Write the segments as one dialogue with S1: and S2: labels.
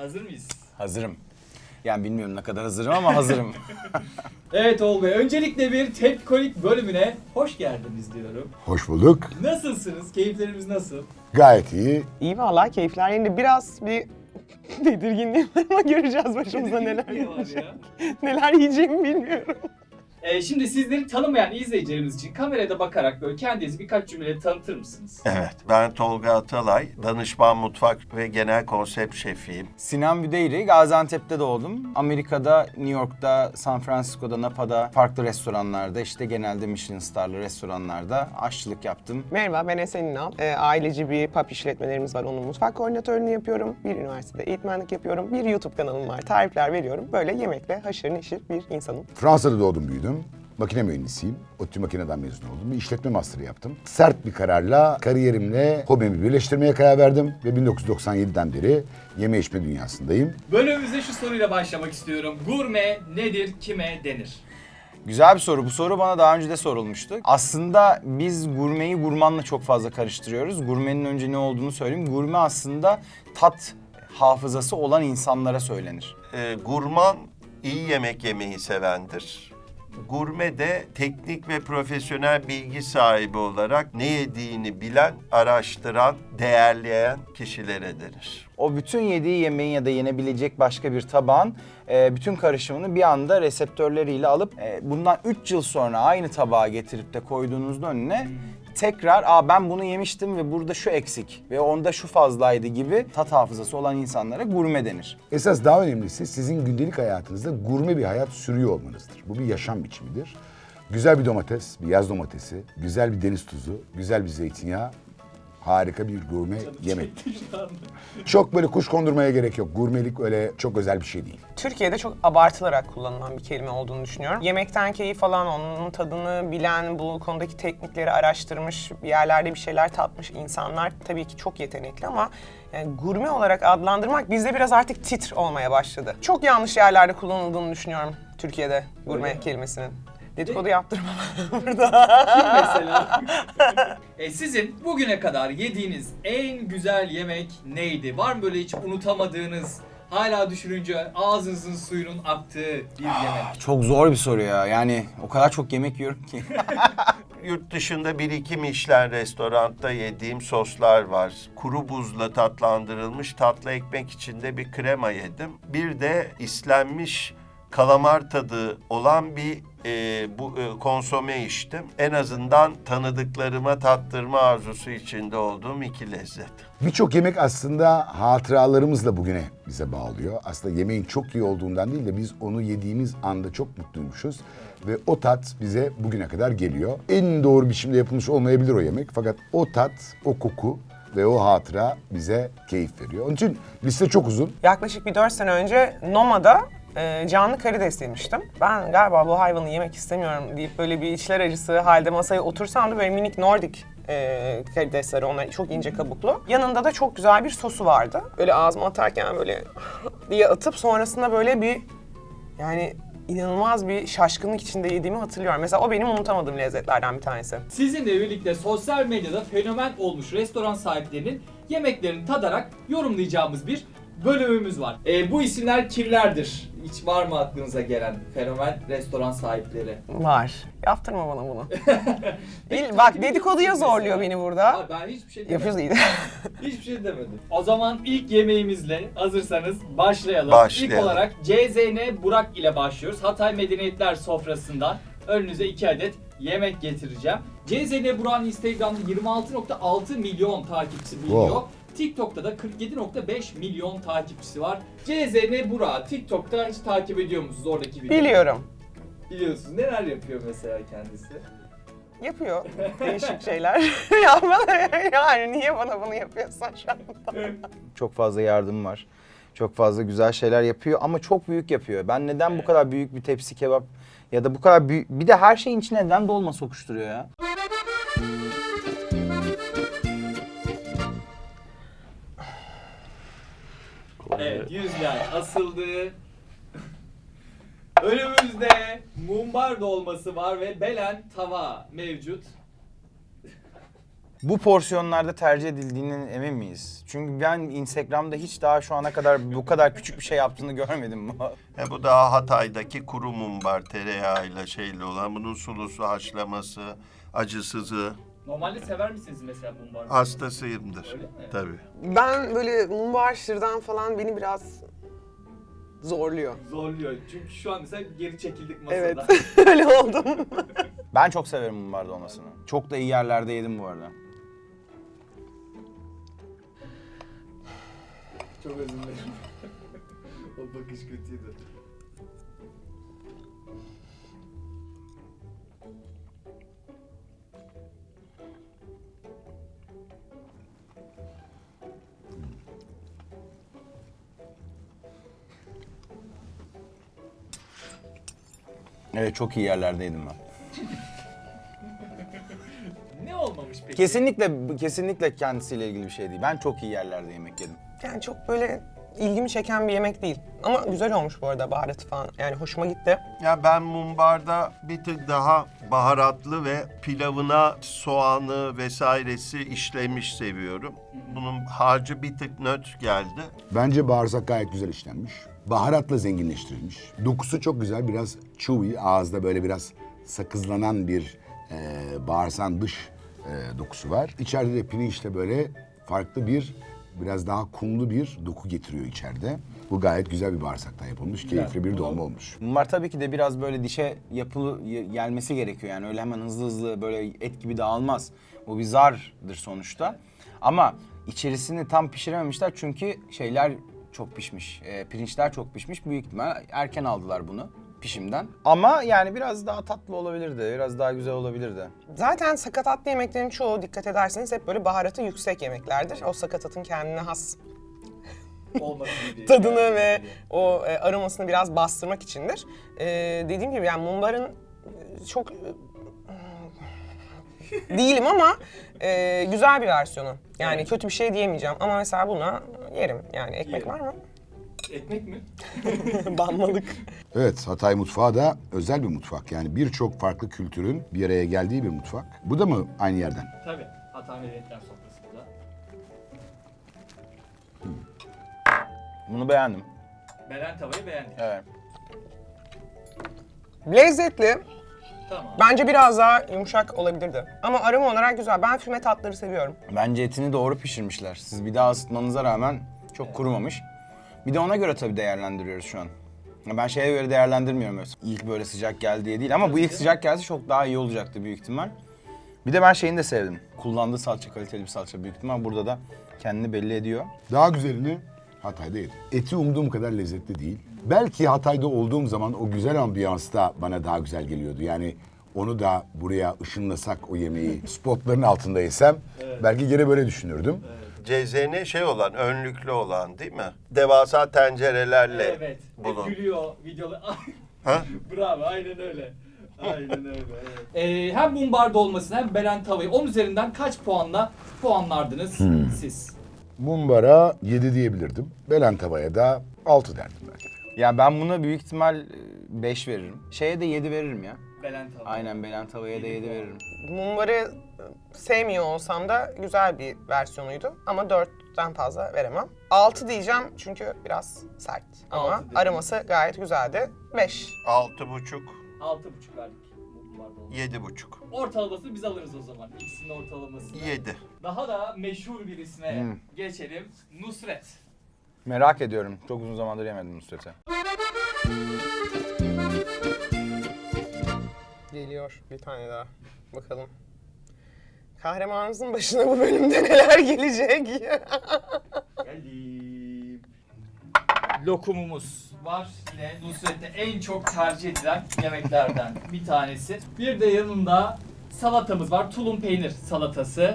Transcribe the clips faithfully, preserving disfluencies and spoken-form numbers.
S1: Hazır mıyız?
S2: Hazırım. Yani bilmiyorum ne kadar hazırım ama hazırım.
S1: Evet Oğul Bey, öncelikle bir Tepkolik bölümüne hoş geldiniz diyorum.
S3: Hoş bulduk.
S1: Nasılsınız? Keyiflerimiz nasıl?
S3: Gayet iyi.
S4: İyi vallahi keyifler yerinde. Biraz bir tedirginliğim var ama göreceğiz başımıza neler
S1: Tedirginlik var
S4: gelecek.
S1: ya.
S4: Neler yiyeceğimi bilmiyorum.
S1: Ee, şimdi sizleri tanımayan izleyicilerimiz için kamerada bakarak böyle kendinizi birkaç cümleyle tanıtır mısınız?
S5: Evet, ben Tolga Atalay, danışman mutfak ve genel konsept şefiyim.
S2: Sinan Büdeyri, Gaziantep'te doğdum. Amerika'da, New York'ta, San Francisco'da, Napa'da farklı restoranlarda, işte genelde Michelin starlı restoranlarda aşçılık yaptım.
S4: Merhaba, ben Esen İnal. E, aileci bir pub işletmelerimiz var. Onun mutfak koordinatörlüğünü yapıyorum. Bir üniversitede eğitmenlik yapıyorum. Bir YouTube kanalım var. Tarifler veriyorum. Böyle yemekle haşır neşir bir insanım.
S3: Fransa'da doğdum, büyüdüm. Makine mühendisiyim. ODTÜ Makine'den mezun oldum. Bir işletme master'ı yaptım. Sert bir kararla kariyerimle hobimi birleştirmeye karar verdim. Ve bin dokuz yüz doksan yediden beri yeme içme dünyasındayım.
S1: Bölümümüze şu soruyla başlamak istiyorum. Gurme nedir, kime denir?
S2: Güzel bir soru. Bu soru bana daha önce de sorulmuştu. Aslında biz gurmeyi gurmanla çok fazla karıştırıyoruz. Gurmenin önce ne olduğunu söyleyeyim. Gurme aslında tat hafızası olan insanlara söylenir.
S5: Ee, gurman iyi yemek yemeyi sevendir. Gurme de teknik ve profesyonel bilgi sahibi olarak ne yediğini bilen, araştıran, değerleyen kişilere denir.
S2: O bütün yediği yemeğin ya da yenebilecek başka bir tabağın e, bütün karışımını bir anda reseptörleriyle alıp e, bundan üç yıl sonra aynı tabağa getirip de koyduğunuzda önüne tekrar aa ben bunu yemiştim ve burada şu eksik ve onda şu fazlaydı gibi tat hafızası olan insanlara gurme denir.
S3: Esas daha önemlisi sizin gündelik hayatınızda gurme bir hayat sürüyor olmanızdır. Bu bir yaşam biçimidir. Güzel bir domates, bir yaz domatesi, güzel bir deniz tuzu, güzel bir zeytinyağı, harika bir gurme yemek. Çok böyle kuş kondurmaya gerek yok. Gurmelik öyle çok özel bir şey değil.
S4: Türkiye'de çok abartılarak kullanılan bir kelime olduğunu düşünüyorum. Yemekten keyif alan, onun tadını bilen, bu konudaki teknikleri araştırmış, bir yerlerde bir şeyler tatmış insanlar tabii ki çok yetenekli ama yani gurme olarak adlandırmak bizde biraz artık titr olmaya başladı. Çok yanlış yerlerde kullanıldığını düşünüyorum Türkiye'de gurme kelimesinin. Dedikodu yaptırmam burada.
S1: Kim mesela? e, sizin bugüne kadar yediğiniz en güzel yemek neydi? Var mı böyle hiç unutamadığınız, hala düşününce ağzınızın suyunun aktığı bir yemek?
S2: Çok zor bir soru ya. Yani o kadar çok yemek yiyorum ki.
S5: Yurt dışında bir iki Michelin restoranda yediğim soslar var. Kuru buzla tatlandırılmış tatlı ekmek içinde bir krema yedim. Bir de islenmiş kalamar tadı olan bir e, bu e, konsome içtim. En azından tanıdıklarıma tattırma arzusu içinde olduğum iki lezzet.
S3: Birçok yemek aslında hatıralarımızla bugüne bize bağlıyor. Aslında yemeğin çok iyi olduğundan değil de biz onu yediğimiz anda çok mutluymuşuz. Ve o tat bize bugüne kadar geliyor. En doğru biçimde yapılmış olmayabilir o yemek. Fakat o tat, o koku ve o hatıra bize keyif veriyor. Onun için liste çok uzun.
S4: Yaklaşık bir dört sene önce Noma'da e, canlı karides yemiştim. Ben galiba bu hayvanı yemek istemiyorum deyip böyle bir içler acısı halde masaya otursam da böyle minik Nordik e, karidesleri, onlar çok ince kabuklu. Yanında da çok güzel bir sosu vardı. Böyle ağzıma atarken böyle diye atıp sonrasında böyle bir yani inanılmaz bir şaşkınlık içinde yediğimi hatırlıyorum. Mesela o benim unutamadığım lezzetlerden bir tanesi.
S1: Sizinle birlikte sosyal medyada fenomen olmuş restoran sahiplerinin yemeklerini tadarak yorumlayacağımız bir bölümümüz var. E, bu isimler kimlerdir? Hiç var mı aklınıza gelen fenomen restoran sahipleri?
S4: Var. Yaptırma bana bunu. Bil,
S1: Peki,
S4: bak
S1: takip
S4: dedikoduya
S1: ediyorsunuz
S4: zorluyor
S1: mesela.
S4: beni burada.
S1: Abi ben hiçbir şey demedim.
S4: Yapıyoruz iyi.
S1: Hiçbir şey demedim. O zaman ilk yemeğimizle hazırsanız başlayalım.
S5: Başlayalım.
S1: İlk olarak C Z N Burak ile başlıyoruz. Hatay Medeniyetler sofrasından önünüze iki adet yemek getireceğim. C Z N Burak'ın Instagram'da yirmi altı nokta altı milyon takipçisi bulunuyor.
S3: Wow.
S1: TikTok'ta da kırk yedi nokta beş milyon takipçisi var. C Z N Burak TikTok'ta hiç takip ediyor musunuz oradaki videoyu?
S4: Biliyorum.
S1: Biliyorsunuz. Neler yapıyor mesela kendisi?
S4: Yapıyor değişik şeyler. Ya bana, yani niye bana bunu yapıyorsun şu anda?
S2: Çok fazla yardım var. Çok fazla güzel şeyler yapıyor ama çok büyük yapıyor. Ben neden bu kadar büyük bir tepsi kebap ya da bu kadar büyük... Bir de her şeyin içine neden dolma sokuşturuyor ya?
S1: Evet, yüzler asıldı. Önümüzde mumbar dolması var ve belen tava mevcut.
S2: Bu porsiyonlarda tercih edildiğinin emin miyiz? Çünkü ben Instagram'da hiç daha şu ana kadar bu kadar küçük bir şey yaptığını görmedim.
S5: E bu daha Hatay'daki kuru mumbar tereyağıyla şeyli olan. Bunun sulusu, haşlaması, acısızı.
S1: Normalde sever misiniz mesela mumbar?
S5: Hastasıyımdır.
S1: Öyle mi?
S5: Tabii.
S4: Ben böyle mumbar şırdan falan beni biraz zorluyor.
S1: Zorluyor. Çünkü şu an mesela geri çekildik masada.
S4: Evet, öyle oldum.
S2: Ben çok severim mumbar dolmasını. Çok da iyi yerlerde yedim bu arada.
S1: Çok özür dilerim. O bakış kötüydü.
S2: Evet, çok iyi yerlerde yedim ben.
S1: Ne olmamış peki?
S2: Kesinlikle kesinlikle kendisiyle ilgili bir şey değil. Ben çok iyi yerlerde yemek yedim.
S4: Yani çok böyle ilgimi çeken bir yemek değil. Ama güzel olmuş bu arada baharatı falan. Yani hoşuma gitti.
S5: Ya ben mumbarda bir tık daha baharatlı ve pilavına soğanı vesairesi işlemiş seviyorum. Bunun harcı bir tık nötr geldi.
S3: Bence bağırsak gayet güzel işlenmiş. Baharatla zenginleştirilmiş. Dokusu çok güzel, biraz chewy, ağızda böyle biraz sakızlanan bir e, bağırsağın dış e, dokusu var. İçeride de pirinçle böyle farklı bir, biraz daha kumlu bir doku getiriyor içeride. Bu gayet güzel bir bağırsaktan yapılmış, keyifli bir dolma olmuş.
S2: Mumbar tabii ki de biraz böyle dişe yapılı y- gelmesi gerekiyor. Yani öyle hemen hızlı hızlı böyle et gibi dağılmaz. Bu bir zardır sonuçta. Ama içerisini tam pişirememişler çünkü şeyler çok pişmiş. E, pirinçler çok pişmiş. Büyük ihtimal erken aldılar bunu pişimden. Ama yani biraz daha tatlı olabilirdi. Biraz daha güzel olabilirdi.
S4: Zaten sakatatlı yemeklerin çoğu dikkat ederseniz hep böyle baharatı yüksek yemeklerdir. O sakatatın kendine has
S1: Olmasın diye.
S4: tadını ve o e, aromasını biraz bastırmak içindir. E, dediğim gibi yani mumbarın e, çok e, değilim ama e, güzel bir versiyonu. Yani
S1: Evet.
S4: kötü bir şey diyemeyeceğim ama mesela buna yerim. Yani ekmek
S1: Yerim.
S4: var mı?
S1: Ekmek mi?
S4: Banmalık.
S3: Evet, Hatay mutfağı da özel bir mutfak. Yani birçok farklı kültürün bir araya geldiği bir mutfak. Bu da mı aynı yerden?
S1: Tabii. Hatay Medeniyetler Sofrası'nda.
S2: Bunu beğendim.
S1: Belen tavayı beğendik.
S2: Evet.
S4: Lezzetli.
S1: Tamam.
S4: Bence biraz daha yumuşak olabilirdi. Ama aroma olarak güzel. Ben füme tatları seviyorum.
S2: Bence etini doğru pişirmişler. Siz bir daha ısıtmanıza rağmen çok kurumamış. Bir de ona göre tabii değerlendiriyoruz şu an. Ya ben şeye göre değerlendirmiyorum öyle. İlk böyle sıcak geldi diye değil ama bu ilk sıcak gelse çok daha iyi olacaktı büyük ihtimal. Bir de ben şeyini de sevdim. Kullandığı salça kaliteli bir salça büyük ihtimal burada da kendini belli ediyor.
S3: Daha güzelini Hatay'da yedim. Eti umduğum kadar lezzetli değil. Belki Hatay'da olduğum zaman o güzel ambiyans da bana daha güzel geliyordu. Yani onu da buraya ışınlasak o yemeği spotların altında yesem belki gene böyle düşünürdüm.
S5: C Z N şey olan, önlüklü olan değil mi? Devasa tencerelerle
S1: Evet.
S5: bulun.
S1: Hep gülüyor videoda.
S5: Ha?
S1: Bravo, aynen öyle. Aynen öyle. Evet. Ee, hem mumbar dolmasını hem belen tavayı on üzerinden kaç puanla puanlardınız siz?
S3: Mumbara yedi diyebilirdim. Belen tavaya da altı derdim belki de.
S2: Ya ben buna büyük ihtimal beş veririm. Şeye de yedi veririm ya.
S1: Belen tava.
S2: Aynen Belen tavaya da yedi veririm.
S4: Mumbarı sevmiyor olsam da güzel bir versiyonuydu. Ama dörtten fazla veremem. altı diyeceğim çünkü biraz sert. Ama
S1: Altı dedin.
S4: aroması gayet güzeldi. beş.
S5: Altı buçuk,
S1: Altı buçuk verdik. Mumbar dolması.
S5: yedi buçuk.
S1: Ortalamasını biz alırız o zaman. İkisinin ortalamasını.
S5: Yedi.
S1: Daha da meşhur birisine
S2: Hmm.
S1: geçelim. Nusret.
S2: Merak ediyorum. Çok uzun zamandır yemedim Nusret'i.
S4: Geliyor bir tane daha. Bakalım. Kahramanımızın başına bu bölümde neler gelecek?
S1: Geldim. Lokumumuz var. Yine Nusret'te en çok tercih edilen yemeklerden bir tanesi. Bir de yanında salatamız var. Tulum peynir salatası.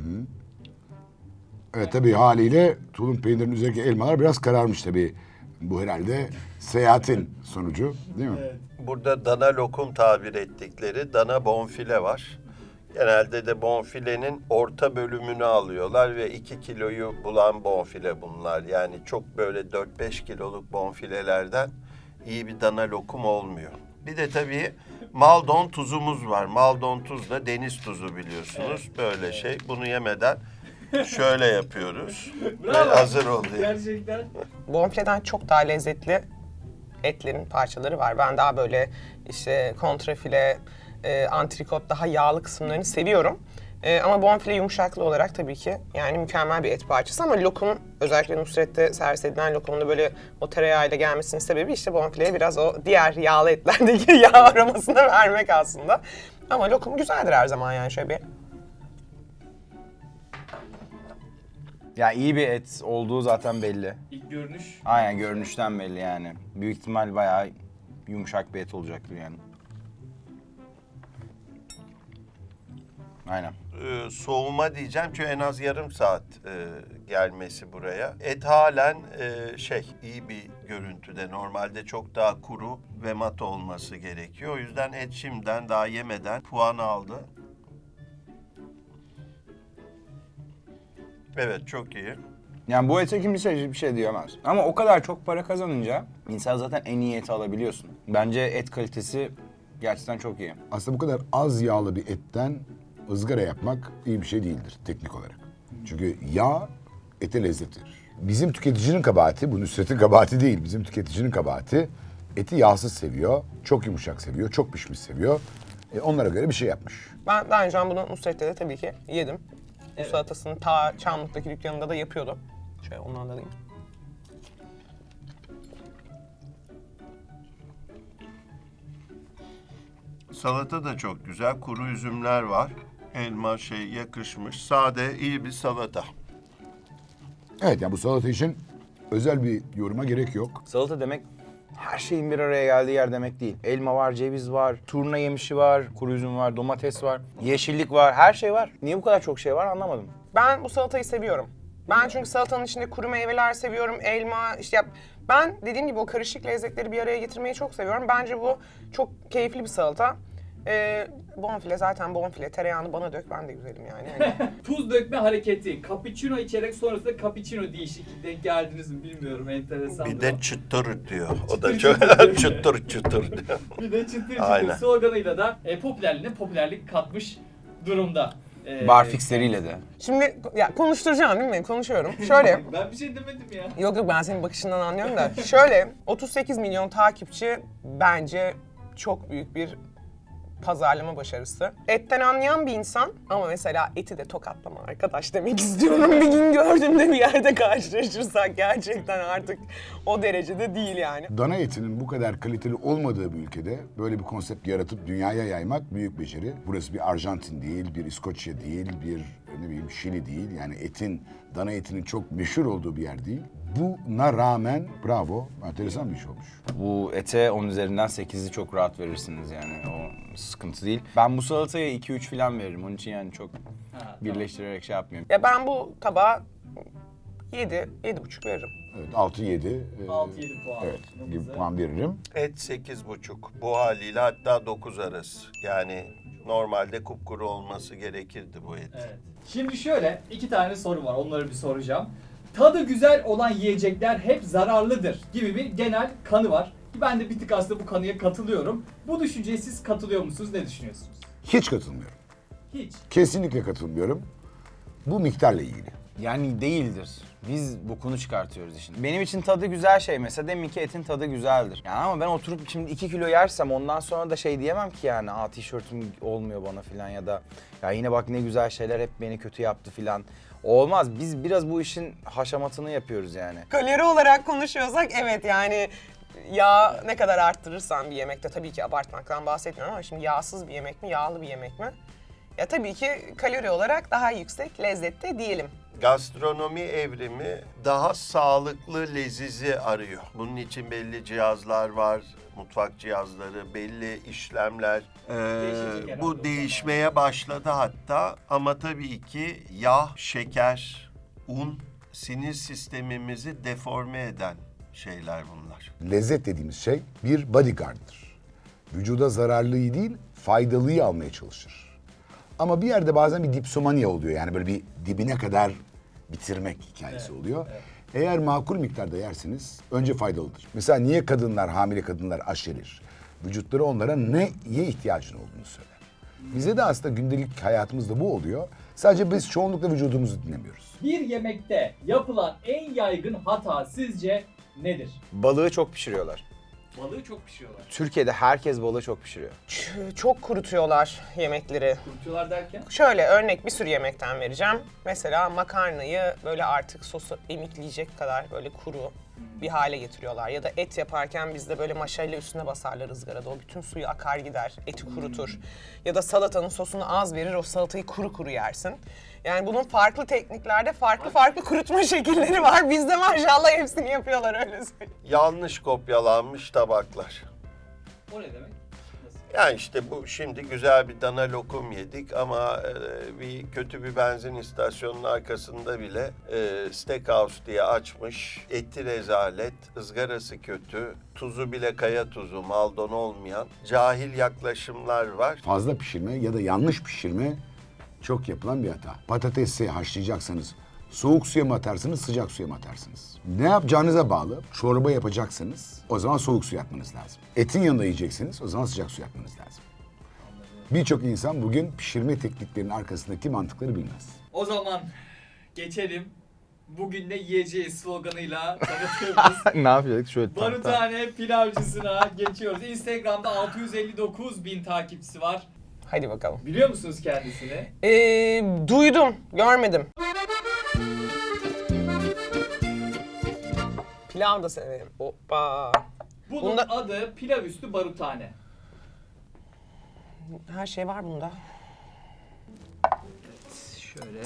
S3: Evet tabii haliyle tulum peynirinin üzerindeki elmalar biraz kararmış tabii. Bu herhalde seyahatin sonucu değil mi?
S5: Burada dana lokum tabir ettikleri dana bonfile var. Genelde de bonfilenin orta bölümünü alıyorlar ve iki kiloyu bulan bonfile bunlar. Yani çok böyle dört beş kiloluk bonfilelerden iyi bir dana lokum olmuyor. Bir de tabii Maldon tuzumuz var. Maldon tuz da deniz tuzu biliyorsunuz. Böyle şey. Bunu yemeden şöyle yapıyoruz. Ve
S1: Bravo.
S5: hazır oluyor.
S1: Gerçekten.
S4: Bonfileden çok daha lezzetli etlerin parçaları var. Ben daha böyle işte kontrafile, e, antrikot daha yağlı kısımlarını seviyorum. E, ama bonfile yumuşaklı olarak tabii ki yani mükemmel bir et parçası ama lokum, özellikle Nusret'te servis edilen lokumun da böyle o tereyağıyla gelmesinin sebebi işte bonfileye biraz o diğer yağlı etlerdeki yağ aromasını vermek aslında. Ama lokum güzeldir her zaman yani şöyle bir.
S2: Ya iyi bir et olduğu zaten belli.
S1: İlk görünüş.
S2: Aynen görünüşten belli yani. Büyük ihtimal bayağı yumuşak bir et olacaktır yani. Aynen.
S5: Ee, soğuma diyeceğim çünkü en az yarım saat e, gelmesi buraya. Et halen e, şey iyi bir görüntüde. Normalde çok daha kuru ve mat olması gerekiyor. O yüzden et şimdiden daha yemeden puan aldı. Evet, çok iyi.
S2: Yani bu ete kimse bir şey diyemez. Ama o kadar çok para kazanınca insan zaten en iyi eti alabiliyorsun. Bence et kalitesi gerçekten çok iyi.
S3: Aslında bu kadar az yağlı bir etten ızgara yapmak iyi bir şey değildir teknik olarak. Çünkü yağ ete lezzet verir. Bizim tüketicinin kabahati, bu Nusret'in kabahati değil, bizim tüketicinin kabahati eti yağsız seviyor, çok yumuşak seviyor, çok pişmiş seviyor. E, onlara göre bir şey yapmış.
S4: Ben daha önce bunu Nusret'te de tabii ki yedim. Bu
S1: Evet.
S4: salatasını ta Çamlık'taki dükkanında da yapıyordu. Şöyle ondan da alayım.
S5: Salata da çok güzel. Kuru üzümler var. Elma şey yakışmış. Sade, iyi bir salata.
S3: Evet, yani bu salata için özel bir yoruma gerek yok.
S2: Salata demek her şeyin bir araya geldiği yer demek değil. Elma var, ceviz var, turna yemişi var, kuru üzüm var, domates var, yeşillik var, her şey var. Niye bu kadar çok şey var anlamadım.
S4: Ben bu salatayı seviyorum. Ben çünkü salatanın içinde kuru meyveler seviyorum, elma, işte yap. Ben dediğim gibi o karışık lezzetleri bir araya getirmeyi çok seviyorum. Bence bu çok keyifli bir salata. Ee, bonfile zaten bonfile, tereyağını bana dök, ben de güzelim yani. Yani
S1: Tuz dökme hareketi. Cappuccino içerek sonrasında cappuccino değişik. Denk geldiniz mi bilmiyorum. Enteresan.
S5: Bir de çıtır diyor. O da
S1: Çıtır
S5: çok
S1: çıtır.
S5: çıtır çıtır diyor.
S1: Bir de çıtır çıtır
S5: Aynen.
S1: sloganıyla da e, popülerliğine popülerlik katmış durumda. E,
S2: Barfixleriyle de.
S4: Şimdi ya konuşturacağım değil mi? Konuşuyorum. Şöyle.
S1: Ben bir şey demedim ya.
S4: Yok yok ben senin bakışından anlıyorum da. Şöyle otuz sekiz milyon takipçi bence çok büyük bir pazarlama başarısı. Etten anlayan bir insan ama mesela eti de tokatlama arkadaş demek istiyorum. Bir gün gördüğümde bir yerde karşılaşırsak gerçekten artık o derecede değil yani.
S3: Dana etinin bu kadar kaliteli olmadığı bir ülkede böyle bir konsept yaratıp dünyaya yaymak büyük beceri. Burası bir Arjantin değil, bir İskoçya değil, bir ne bileyim Şili değil. Yani etin, dana etinin çok meşhur olduğu bir yer değil. Buna rağmen bravo, enteresan bir iş olmuş.
S2: Bu ete on üzerinden sekizi çok rahat verirsiniz yani o sıkıntı değil. Ben bu salataya iki üç falan veririm. Onun için yani çok
S1: Ha,
S2: birleştirerek şey yapmıyorum.
S4: Ya ben bu tabağa yedi, yedi buçuk veririm.
S3: Evet, altı yedi.
S1: altı yedi puan.
S3: Evet, gibi
S1: Nabızı.
S3: puan veririm.
S5: Et sekiz buçuk. Bu haliyle hatta dokuz arası. Yani normalde kupkuru olması gerekirdi bu et.
S1: Evet. Şimdi şöyle iki tane soru var. Onları bir soracağım. Tadı güzel olan yiyecekler hep zararlıdır gibi bir genel kanı var. Ben de bir tık aslında bu kanıya katılıyorum. Bu düşünceye siz katılıyor musunuz? Ne düşünüyorsunuz?
S3: Hiç katılmıyorum.
S1: Hiç.
S3: Kesinlikle katılmıyorum. Bu miktarla ilgili.
S2: Yani değildir. Biz bokunu çıkartıyoruz işin. Benim için tadı güzel şey mesela demin ki etin tadı güzeldir. Yani ama ben oturup şimdi iki kilo yersem ondan sonra da şey diyemem ki yani aa tişörtüm olmuyor bana filan ya da ya yine bak ne güzel şeyler hep beni kötü yaptı filan. Olmaz. Biz biraz bu işin haşamatını yapıyoruz yani.
S4: Kalori olarak konuşuyorsak evet yani yağ ne kadar arttırırsan bir yemekte tabii ki abartmaktan bahsetmiyorum ama şimdi yağsız bir yemek mi, yağlı bir yemek mi? Ya tabii ki kalori olarak daha yüksek lezzette diyelim.
S5: Gastronomi evrimi daha sağlıklı lezizi arıyor. Bunun için belli cihazlar var, mutfak cihazları, belli işlemler.
S1: Değişecek
S5: Ee,
S1: herhalde
S5: bu
S1: o
S5: değişmeye başladı hatta ama tabii ki yağ, şeker, un sinir sistemimizi deforme eden şeyler bunlar.
S3: Lezzet dediğimiz şey bir bodyguard'dır. Vücuda zararlıyı değil, faydalıyı almaya çalışır. Ama bir yerde bazen bir dipsomania oluyor. Yani böyle bir dibine kadar bitirmek hikayesi
S1: Evet,
S3: oluyor.
S1: evet.
S3: Eğer makul miktarda yerseniz önce faydalıdır. Mesela niye kadınlar, hamile kadınlar aşerir? Vücutları onlara neye ihtiyacın olduğunu söyler. Bize de aslında gündelik hayatımızda bu oluyor. Sadece biz çoğunlukla vücudumuzu dinlemiyoruz.
S1: Bir yemekte yapılan en yaygın hata sizce nedir?
S2: Balığı çok pişiriyorlar.
S1: Balığı çok pişiriyorlar.
S2: Türkiye'de herkes balığı çok pişiriyor.
S4: Ç- Çok kurutuyorlar yemekleri.
S1: Kurutuyorlar derken?
S4: Şöyle örnek bir sürü yemekten vereceğim. Mesela makarnayı böyle artık sosu emikleyecek kadar böyle kuru bir hale getiriyorlar. Ya da et yaparken bizde böyle maşayla üstüne basarlar ızgarada. O bütün suyu akar gider, eti kurutur. Ya da salatanın sosunu az verir, o salatayı kuru kuru yersin. Yani bunun farklı tekniklerde farklı farklı kurutma şekilleri var. Bizde maşallah hepsini yapıyorlar, öyle söyleyeyim.
S5: Yanlış kopyalanmış tabaklar.
S1: O ne demek? Nasıl?
S5: Yani işte bu şimdi güzel bir dana lokum yedik ama e, bir kötü bir benzin istasyonunun arkasında bile e, steakhouse diye açmış. Eti rezalet, ızgarası kötü, tuzu bile kaya tuzu, maldon olmayan cahil yaklaşımlar var.
S3: Fazla pişirme ya da yanlış pişirme çok yapılan bir hata. Patatesi haşlayacaksanız soğuk suya mı atarsınız, sıcak suya mı atarsınız? Ne yapacağınıza bağlı. Çorba yapacaksanız o zaman soğuk su yapmanız lazım. Etin yanında yiyeceksiniz, o zaman sıcak su yapmanız lazım. Birçok insan bugün pişirme tekniklerinin arkasındaki mantıkları bilmez.
S1: O zaman geçelim. Bugün ne yiyeceğiz sloganıyla tanıtıyoruz.
S2: Ne yapıyorduk? Şöyle tam- tam-
S1: Barutane pilavcısına geçiyoruz. Instagram'da altı yüz elli dokuz bin takipçisi var.
S4: Hadi bakalım.
S1: Biliyor musunuz kendisini?
S4: Ee, duydum, görmedim. Pilav da severim. Hoppa.
S1: Bunun
S4: Bunda-
S1: adı pilav üstü barutane.
S4: Her şey var bunda.
S1: Şöyle.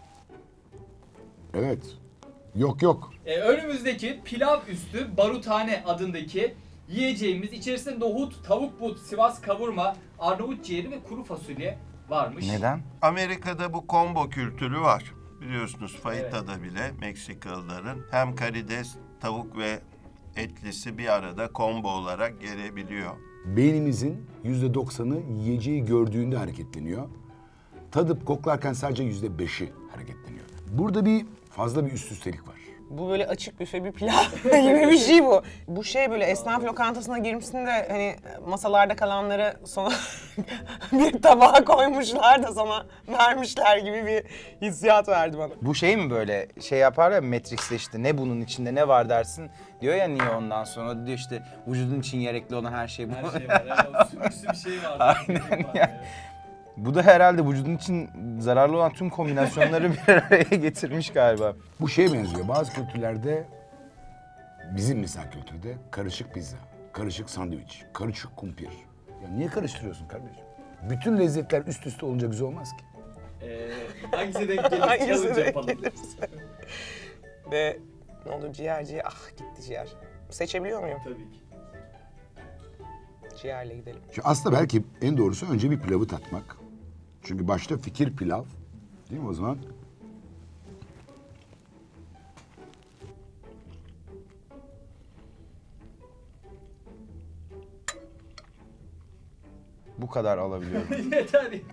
S3: Evet. Yok yok.
S1: Ee, önümüzdeki pilav üstü barutane adındaki yiyeceğimiz içerisinde nohut, tavuk but, Sivas kavurma, Arnavut ciğeri ve kuru fasulye varmış.
S2: Neden?
S5: Amerika'da bu combo kültürü var. Biliyorsunuz fajita'da bile Meksikalıların hem karides, tavuk ve etlisi bir arada combo olarak gelebiliyor.
S3: Beynimizin yüzde doksanı yiyeceği gördüğünde hareketleniyor. Tadıp koklarken sadece yüzde beşi hareketleniyor. Burada bir fazla bir üst üstelik var.
S4: Bu böyle açık büfe bir pilav gibi bir şey bu. Bu şey böyle esnaf lokantasına girmişsin de hani masalarda kalanları sonra bir tabağa koymuşlar da sana vermişler gibi bir hissiyat verdi bana.
S2: Bu şey mi böyle şey yapar ya Matrix'te işte ne bunun içinde ne var dersin diyor ya niye ondan sonra diyor işte vücudun için gerekli olan her şey bu.
S1: Her şey var. Yani o sümüksü bir şey var.
S2: Aynen ya. Bu da herhalde vücudun için zararlı olan tüm kombinasyonları bir araya getirmiş galiba.
S3: Bu şeye benziyor. Bazı kültürlerde, bizim mesela kültürde karışık pizza, karışık sandviç, karışık kumpir. Ya niye karıştırıyorsun kardeşim? Bütün lezzetler üst üste olunca güzel olmaz ki.
S1: Ee, hangisi denk gelir?
S4: Hangisi
S1: Challenge
S4: denk
S1: yapalım.
S4: gelirse. Ve ne olur ciğer ciğer, ah gitti ciğer. Seçebiliyor muyum?
S1: Tabii ki.
S4: Ciğerle gidelim.
S3: Şimdi aslında belki en doğrusu önce bir pilavı tatmak. Çünkü başta fikir pilav, değil mi o zaman?
S2: Bu kadar alabiliyorum.
S1: Yeter yeter.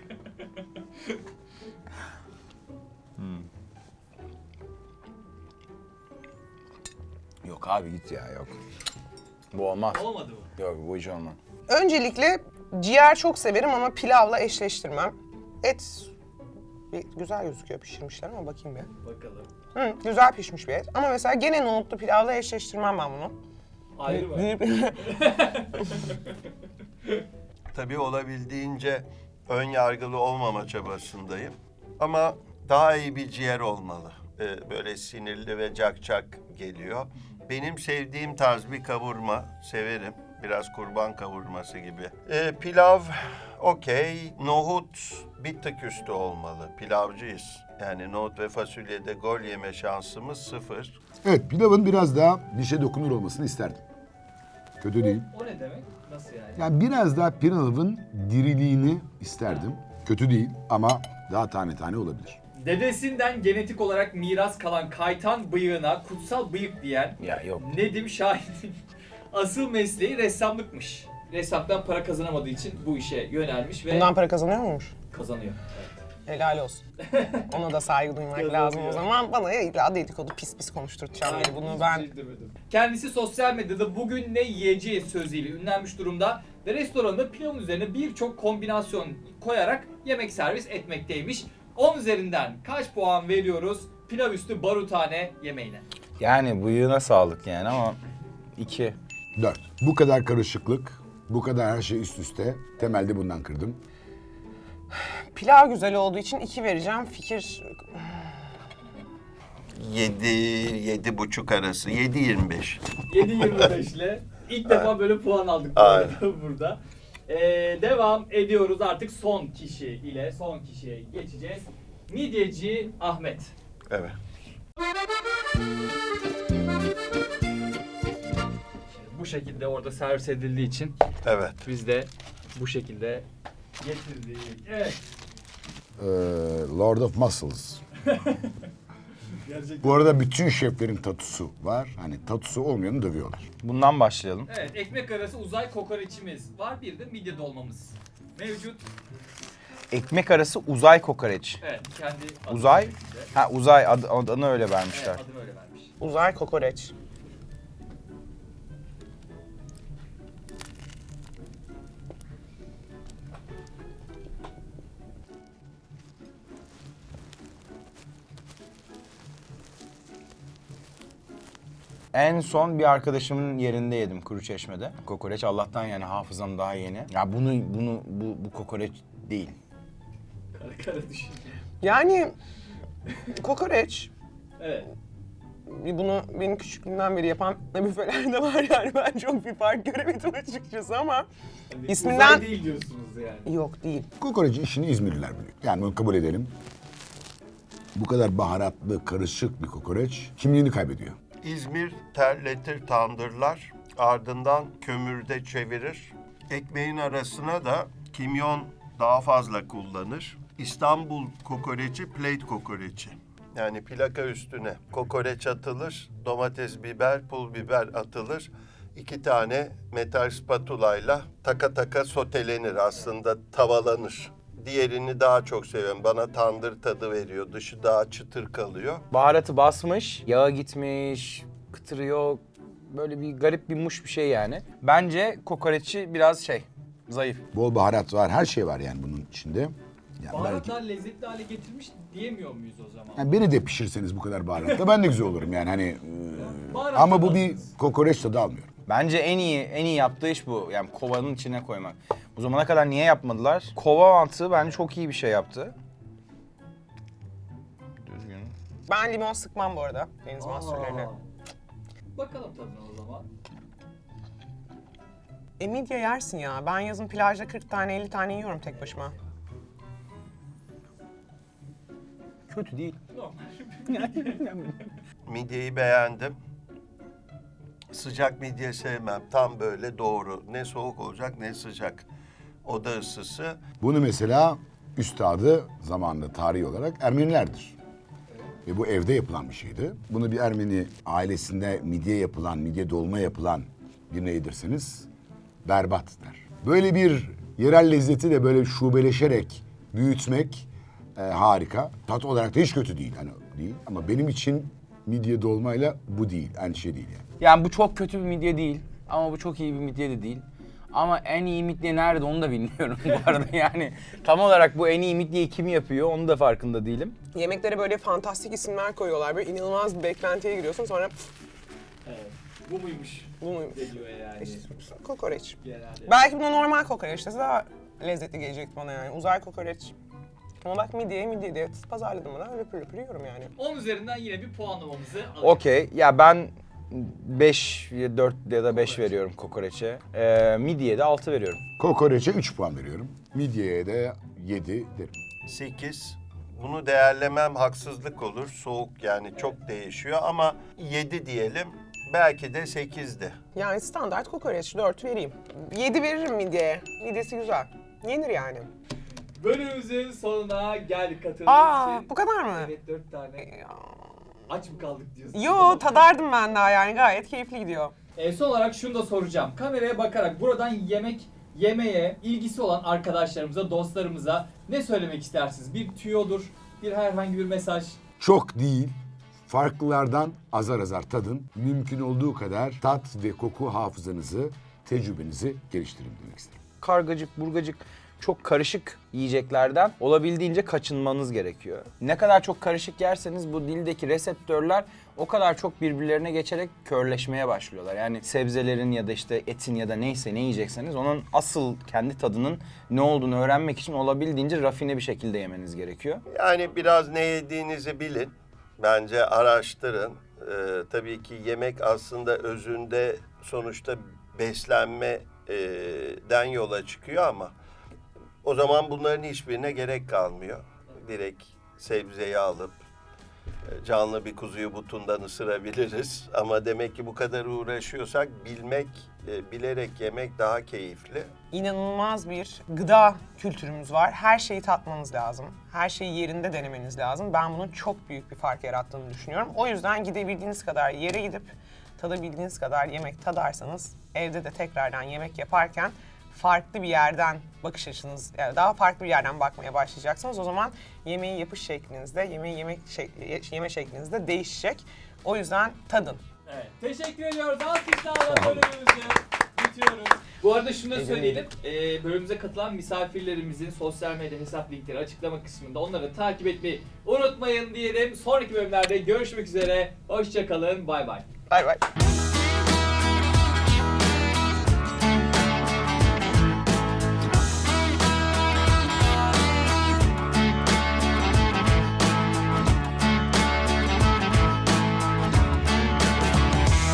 S2: Yok abi git ya yok. Bu olmaz.
S1: Olmadı mı?
S2: Yok bu hiç olmaz.
S4: Öncelikle ciğer çok severim ama pilavla eşleştirmem. Et bir güzel gözüküyor pişirmişler ama bakayım bir.
S1: Bakalım.
S4: Hı, güzel pişmiş bir et. Ama mesela gene nohutlu pilavla eşleştirmem ben bunu.
S1: Ayrı mı?
S5: Tabii olabildiğince ön yargılı olmama çabasındayım. Ama daha iyi bir ciğer olmalı. Ee, böyle sinirli ve cakcak geliyor. Benim sevdiğim tarz bir kavurma severim. Biraz kurban kavurması gibi. Ee, pilav okey. Nohut bir tık üstü olmalı. Pilavcıyız. Yani nohut ve fasulyede gol yeme şansımız sıfır.
S3: Evet, pilavın biraz daha dişe dokunur olmasını isterdim. Kötü değil.
S1: O ne demek? Nasıl yani?
S3: Yani biraz daha pilavın diriliğini isterdim. Kötü değil ama daha tane tane olabilir.
S1: Dedesinden genetik olarak miras kalan kaytan bıyığına kutsal bıyık diyen
S2: Ya yok.
S1: Nedim Şahin'in asıl mesleği ressamlıkmış. Ressamdan para kazanamadığı için bu işe yönelmiş ve
S4: Bundan para kazanıyor muymuş?
S1: kazanıyor. Evet.
S4: Helal olsun. Ona da saygı duymak
S1: Kazanıyor.
S4: lazım o zaman. Bana illa dedikodu pis pis konuşturtacağım diye bunu ben...
S1: Hiçbir şey demedim. Kendisi sosyal medyada bugün ne yiyeceği sözüyle ünlenmiş durumda ve restoranında pilavın üzerine birçok kombinasyon koyarak yemek servis etmekteymiş. on üzerinden kaç puan veriyoruz pilav üstü barutane yemeğine?
S2: Yani bıyığına sağlık yani ama iki.
S3: Dört. Bu kadar karışıklık, bu kadar her şey üst üste. Temelde bundan kırdım.
S4: Pilav güzel olduğu için iki vereceğim. Fikir...
S5: Yedi, yedi buçuk arası. Yedi yirmi beş.
S1: yedi yirmi beş ile ilk defa böyle puan aldık bu
S5: Aynen.
S1: arada burada. Ee, devam ediyoruz artık son kişi ile son kişiye geçeceğiz. Midyeci Ahmet.
S5: Evet.
S1: Bu şekilde orada servis edildiği için
S5: Evet.
S1: biz de bu şekilde getirdik. Evet.
S3: Ee, Lord of Muscles.
S1: Gerçekten.
S3: Bu arada bütün şeflerin tatusu var. Hani tatusu olmayanı dövüyorlar.
S2: Bundan başlayalım.
S1: Evet, ekmek arası uzay kokoreçimiz var. Bir de midye dolmamız mevcut.
S2: Ekmek arası uzay kokoreç.
S1: Evet, kendi adı
S2: Uzay?
S1: şeklinde.
S2: Ha uzay ad, adını öyle
S1: Evet,
S2: vermişler.
S1: adını öyle vermiş.
S4: Uzay kokoreç.
S2: En son bir arkadaşımın yerinde yedim Kuruçeşme'de. Kokoreç Allah'tan yani hafızam daha yeni. Ya bunu bunu bu bu kokoreç değil.
S1: Kara kara düşün.
S4: Yani kokoreç.
S1: Evet.
S4: Bunu benim küçüklüğümden beri yapan büfeler de var yani. Ben çok bir fark göremedim açıkçası ama.
S1: Hani
S4: İsminden-
S1: uzay değil diyorsunuz yani.
S4: Yok değil.
S3: Kokoreci işini İzmirliler biliyor. Yani bunu kabul edelim. Bu kadar baharatlı, karışık bir kokoreç kimliğini kaybediyor.
S5: İzmir terletir, tandırlar. Ardından kömürde çevirir. Ekmeğin arasına da kimyon daha fazla kullanır. İstanbul kokoreci, plate kokoreci. Yani plaka üstüne kokoreç atılır, domates, biber, pul biber atılır. İki tane metal spatulayla taka taka sotelenir, aslında tavalanır. Diğerini daha çok seviyorum. Bana tandır tadı veriyor. Dışı daha çıtır kalıyor.
S2: Baharatı basmış, yağa gitmiş, kıtırı yok. Böyle bir garip bir muş bir şey yani. Bence kokoreçi biraz şey, zayıf.
S3: Bol baharat var, her şey var yani bunun içinde. Yani belki,
S1: Baharatlar lezzetli hale getirmiş diyemiyor muyuz o zaman?
S3: yani beni de pişirseniz bu kadar baharatla ben de güzel olurum yani hani. e,
S1: Baharat
S3: ama bu
S1: tadı
S3: bir
S1: alıyoruz.
S3: kokoreç tadı almıyor.
S2: Bence en iyi en iyi yaptığı iş bu. Yani kovanın içine koymak. Bu zamana kadar niye yapmadılar? Kova mantığı bence çok iyi bir şey yaptı. Düzgün.
S4: Ben limon sıkmam bu arada deniz mahsullerine.
S1: Aa. Bakalım tadına o zaman.
S4: E midye yersin ya. Ben yazın plajda kırk tane elli tane yiyorum tek başıma.
S2: Kötü değil.
S1: Normal.
S5: Midyeyi beğendim. Sıcak midye sevmem. Tam böyle doğru. Ne soğuk olacak ne sıcak. Oda ısısı.
S3: Bunu mesela üstadı zamanında tarihi olarak Ermenilerdir. Ve bu evde yapılan bir şeydi. Bunu bir Ermeni ailesinde midye yapılan, midye dolma yapılan birine yedirseniz berbat der. Böyle bir yerel lezzeti de böyle şubeleşerek büyütmek e, harika. Tat olarak da hiç kötü değil. Hani değil. Ama benim için midye dolmayla bu değil. Aynı şey değil yani.
S2: Yani bu çok kötü bir midye değil. Ama bu çok iyi bir midye de değil. Ama en iyi midye nerede onu da bilmiyorum bu arada yani. Tam olarak bu en iyi midyeyi kim yapıyor onu da farkında değilim.
S4: Yemeklere böyle fantastik isimler koyuyorlar. Böyle inanılmaz bir beklentiye giriyorsun sonra pf,
S1: Evet. Bu muymuş?
S4: bu muymuş?
S1: Geliyor yani.
S4: Kokoreç.
S1: Genelde.
S4: Belki buna normal kokoreç dese daha lezzetli gelecekti bana yani. Uzay kokoreç. Ama bak midyeye midye diye pazarladım bana. Löpür löpür yiyorum yani.
S1: on üzerinden yine bir puanlamamızı alalım.
S2: Okey. Ya ben beş, dört ya da beş veriyorum kokoreçe. Ee, midyeye de altı veriyorum.
S3: Kokoreçe üç puan veriyorum. Midyeye de yedi derim.
S5: sekiz. Bunu değerlemem haksızlık olur. Soğuk yani çok değişiyor ama yedi diyelim. Belki de sekizdi.
S4: Yani standart kokoreç dört vereyim. yedi veririm midyeye. Midyesi güzel. Yenir yani.
S1: Bölümümüzün sonuna geldik katıldığınız
S4: Aa,
S1: için.
S4: bu kadar mı?
S1: Evet, dört tane. Aç mı kaldık diyorsun?
S4: Yo, tadardım ben daha yani. Gayet keyifli gidiyor.
S1: E, son olarak şunu da soracağım. Kameraya bakarak buradan yemek yemeğe ilgisi olan arkadaşlarımıza, dostlarımıza ne söylemek istersiniz? Bir tüyodur, bir herhangi bir mesaj.
S3: Çok değil, farklılardan azar azar tadın. Mümkün olduğu kadar tat ve koku hafızanızı, tecrübenizi geliştirin demek isterim.
S2: Kargacık, burgacık çok karışık yiyeceklerden olabildiğince kaçınmanız gerekiyor. Ne kadar çok karışık yerseniz bu dildeki reseptörler o kadar çok birbirlerine geçerek körleşmeye başlıyorlar. Yani sebzelerin ya da işte etin ya da neyse ne yiyecekseniz onun asıl kendi tadının ne olduğunu öğrenmek için olabildiğince rafine bir şekilde yemeniz gerekiyor.
S5: Yani biraz ne yediğinizi bilin. Bence araştırın. Ee, tabii ki yemek aslında özünde sonuçta beslenmeden yola çıkıyor ama o zaman bunların hiçbirine gerek kalmıyor. Direkt sebzeyi alıp canlı bir kuzuyu butundan ısırabiliriz. Ama demek ki bu kadar uğraşıyorsak bilmek, bilerek yemek daha keyifli.
S4: İnanılmaz bir gıda kültürümüz var. Her şeyi tatmanız lazım. Her şeyi yerinde denemeniz lazım. Ben bunun çok büyük bir fark yarattığını düşünüyorum. O yüzden gidebildiğiniz kadar yere gidip tadabildiğiniz kadar yemek tadarsanız evde de tekrardan yemek yaparken farklı bir yerden bakış açınız, yani daha farklı bir yerden bakmaya başlayacaksınız. O zaman yemeği yapış şeklinizde, yemeği yemek şek- yeme şeklinizde değişecek. O yüzden tadın.
S1: Evet, teşekkür ediyoruz. Alkışlarla bölümümüzü bitiriyoruz. Bu arada şunu da söyleyelim. Ee, bölümümüze katılan misafirlerimizin sosyal medya hesap linkleri açıklama kısmında, onları takip etmeyi unutmayın diyelim. Sonraki bölümlerde görüşmek üzere. Hoşça kalın. Bay bay.
S4: Bay bay.